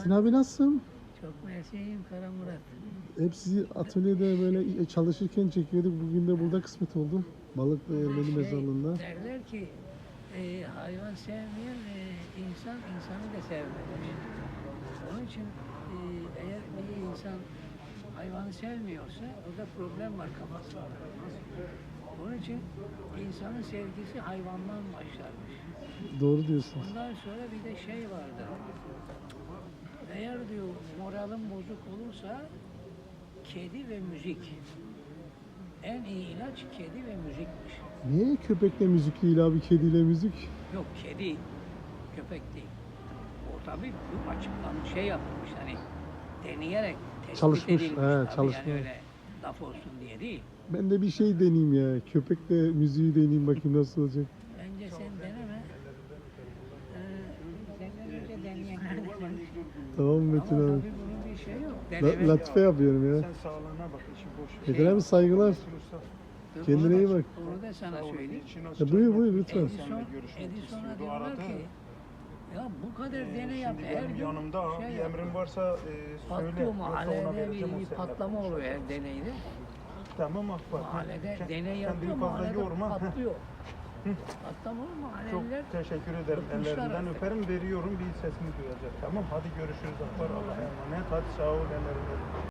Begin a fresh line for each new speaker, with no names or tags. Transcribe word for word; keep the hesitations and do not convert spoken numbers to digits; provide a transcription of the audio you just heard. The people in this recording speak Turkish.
Metin abi nasılsın?
Çok mersiyim Kara Murat.
Hep sizi atölyede böyle çalışırken çekiyorduk. Bugün de burada kısmet oldu. Balıklı Ermeni
Şey,
mezarlığında.
Derler ki e, hayvan sevmeyen e, insan insanı da sevmemiş. Onun için e, eğer bir insan hayvanı sevmiyorsa orada problem var kafasında. Onun için insanın sevgisi hayvandan başlarmış.
Doğru diyorsunuz.
Ondan sonra bir de şey vardı. Eğer diyor moralin bozuk olursa kedi ve müzik. En iyi ilaç kedi ve müzikmiş.
Niye köpekle müzik değil abi, kediyle müzik?
Yok kedi, köpek değil. O tabii bu açıklanmış şey yapılmış hani deneyerek tespit
Çalışmış,
edilmiş
he,
tabii
çalışma.
yani öyle laf olsun diye değil.
Ben de bir şey deneyeyim ya. Köpekle müziği deneyeyim, bakayım nasıl olacak.
Bence sen deneme. Ee, senden önce deneyenler de var.
Tamam
Ama
Metin
tabii
abi.
bunun bir şey yok.
La,
Denemek
latife yapıyorum ya.
Sen sağlığına bak, işi boş ver.
Metin abi saygılar.
Dur,
Kendine
onu
iyi
da-
bak.
Onu da sana söyleyeyim.
Ya buyur, buyur, lütfen.
Edison, Edison'a diyorlar ki ya bu kadar deney yap
Şimdi
her
benim
gün
yanımda
şey
bir
yap.
emrin varsa e, söyle.
Patlıyor
Yoksa ona
mahallede
vereceğim,
bir,
o
bir
seninle
patlama
konuşur.
oluyor her deneyde.
Tamam Akbar.
Mahallede
Kend-
deney
kendini
yapıyor
fazla
mahallede
yorma.
patlıyor. Patlama olur
Çok
mahalleler.
teşekkür ederim.
bıkmışlar
Ellerinden
artık.
öperim, veriyorum, bir sesini duyacak. Tamam, hadi görüşürüz Akbar. Allah'a emanet. Hadi sağ ol, ellerinden.